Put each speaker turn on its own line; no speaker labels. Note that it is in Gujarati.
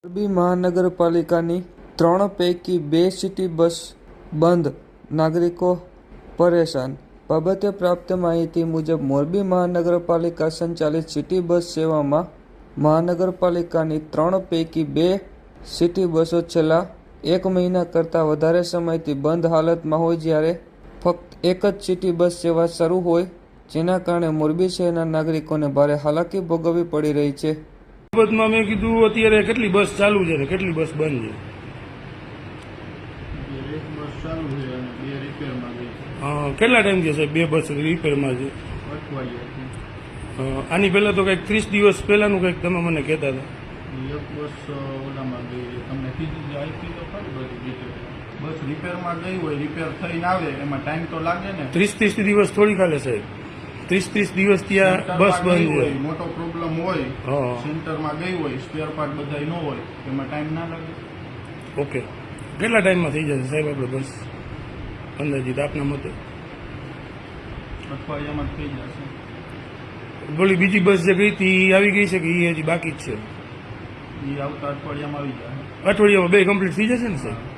મોરબી મહાનગરપાલિકાની 3 પૈકી 2 સિટી બસ બંધ, નાગરિકો પરેશાન. બાબતે પ્રાપ્ત માહિતી મુજબ મોરબી મહાનગરપાલિકા સંચાલિત સિટી બસ સેવામાં મહાનગરપાલિકાની 3 પૈકી 2 સિટી બસો છેલ્લા 1 મહિના કરતાં વધારે સમયથી બંધ હાલતમાં હોય, જ્યારે ફક્ત એક જ સિટી બસ સેવા શરૂ હોય, જેના કારણે મોરબી શહેરના નાગરિકોને ભારે હાલાકી ભોગવવી પડી રહી છે.
બાબતમાં મેં કીધું અત્યારે કેટલી બસ ચાલુ છે ને કેટલી બસ બંધ છે.
એક બસ ચાલુ છે અને 2 રિપેરમાં ગઈ.
કેટલા ટાઈમ છે સાહેબ 2 બસ રિપેરમાં છે?
અઠવાડિયા.
આની પહેલા તો કંઈક 30 દિવસ પહેલાનું કંઈક તમે મને કહેતા હતા.
એક બસ ઓલામાં ગઈ, તમને કીધું આઈપી તો ખરી બધી ડિટેલ. બસ રિપેરમાં ગઈ હોય, રિપેર થઈને આવે એમાં ટાઈમ તો લાગે ને.
30 દિવસ થોડી ખાલે સાહેબ, 30 દિવસ ત્યાં બસ બંધ
હોય,
છે.
મોટો પ્રોબ્લેમ હોય, સેન્ટરમાં ગઈ હોય, સ્પેર પાર્ટ બધા ન હોય, એમાં ટાઈમ ના લાગે.
ઓકે, કેટલા ટાઈમમાં થઈ જશે સાહેબ આપણે બસ અંદાજિત આપના મતે?
અઠવાડિયામાં થઈ જશે.
બોલી બીજી બસ જે ગઈ હતી એ આવી ગઈ છે કે એ હજી બાકી જ છે?
એ આવતા અઠવાડિયામાં આવી જાય.
અઠવાડિયામાં 2 કમ્પ્લીટ થઈ જશે ને સાહેબ?